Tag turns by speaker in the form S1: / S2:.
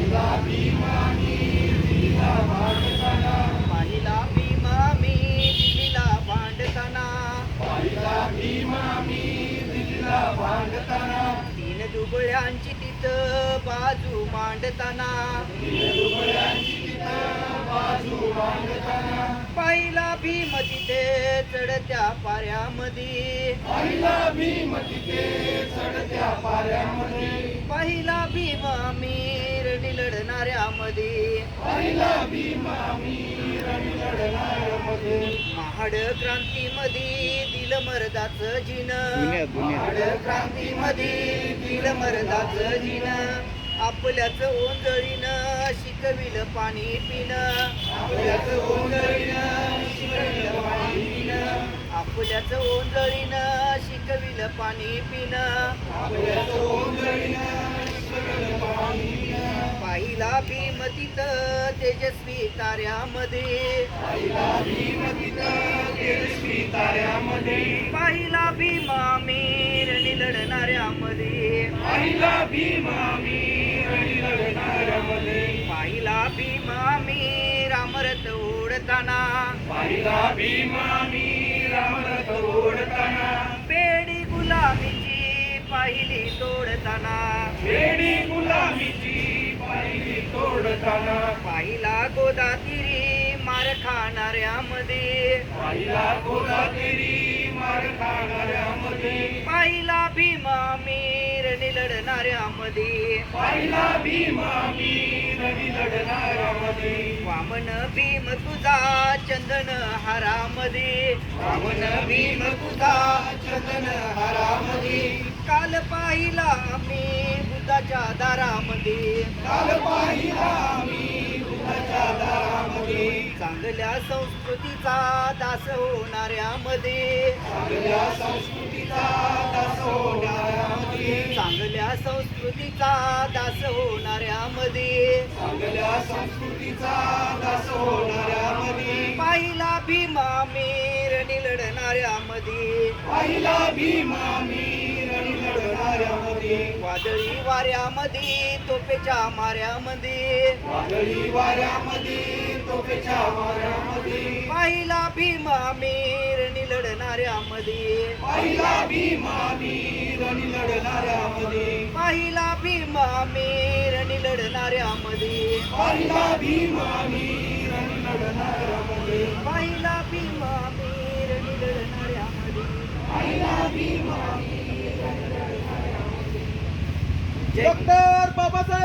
S1: पाहिला भीमा मी दिल्लीला भांडताना तीन दुबळ्यांची तिथं बाजू मांडताना पाहिला भीम तिथे चढत्या पाऱ्यामध्ये पाहिला भीम मी रणी लढणाऱ्यामध्ये महाड क्रांतीमध्ये दिलं मर्दाचं जिन महाड क्रांतीमध्ये दिलं मर्दाचं जिन आपल्याच ओंजळीनं शिकविलं पाणी पिणं आपल्याच ओंजळीनं शिकविलं पाणी पिणं आपल्याच ओंजळीनं शिकविलं पाणी पिणं आपल्याच ओंजळीनं शिकविलं पाणी पिणं पाहिला भीम तिथं तेजस्वी ताऱ्यामध्ये पाहिला भीम तिथं तेजस्वी ताऱ्यामध्ये पाहिला भीमा मी रणी लढणाऱ्यामध्ये पाहिला भीमा मी पाहिला भीमा मी रामरथ ओढताना पाहिला भीमा मी रामरथ ओढताना पेडी गुलामीची पाहिली तोडताना पेडी गुलामीची पाहिली तोडताना पाहिला गोदातीरी मार खाणाऱ्यामध्ये पाहिला गोदातीरी मार खाणाऱ्यामध्ये पाहिला भीमा मी रणी लढणाऱ्यामध्ये पाहिला भीमा मी रणी लढणाऱ्यामध्ये वामन भीम तुझा चंदन हारामध्ये वामन भीम तुझा चंदन हारामध्ये काल पाहिला मी बुद्धाच्या दारामध्ये काल पाहिला मी बुद्धाच्या दारामध्ये चांगल्या संस्कृतीचा दास होणाऱ्यामध्ये चांगल्या संस्कृतीचा दास होणाऱ्यामध्ये चांगल्या संस्कृतीचा दास होणाऱ्यामध्ये चांगल्या संस्कृतीचा दास होणाऱ्यामध्ये पाहिला भीमा मी रणी लढणाऱ्यामध्ये पाहिला भीमा मी रणी लढणाऱ्यामध्ये वादळी वाऱ्यामध्ये तोफेच्या माऱ्यामध्ये वादळी वाऱ्यामध्ये तोफेच्या माऱ्यामध्ये पाहिला भीमा मी रणी लढणाऱ्यामध्ये पाहिला भीमा मी रणी लढणाऱ्यामध्ये पाहिला भीमा मी रणी लढणाऱ्यामध्ये पाहिला भीमा मी रणी लढणाऱ्यामध्ये पाहिला भीमा मी रणी लढणाऱ्यामध्ये पाहिला भीमा मी रणी लढणाऱ्यामध्ये
S2: डॉक्टर बाबासाहेब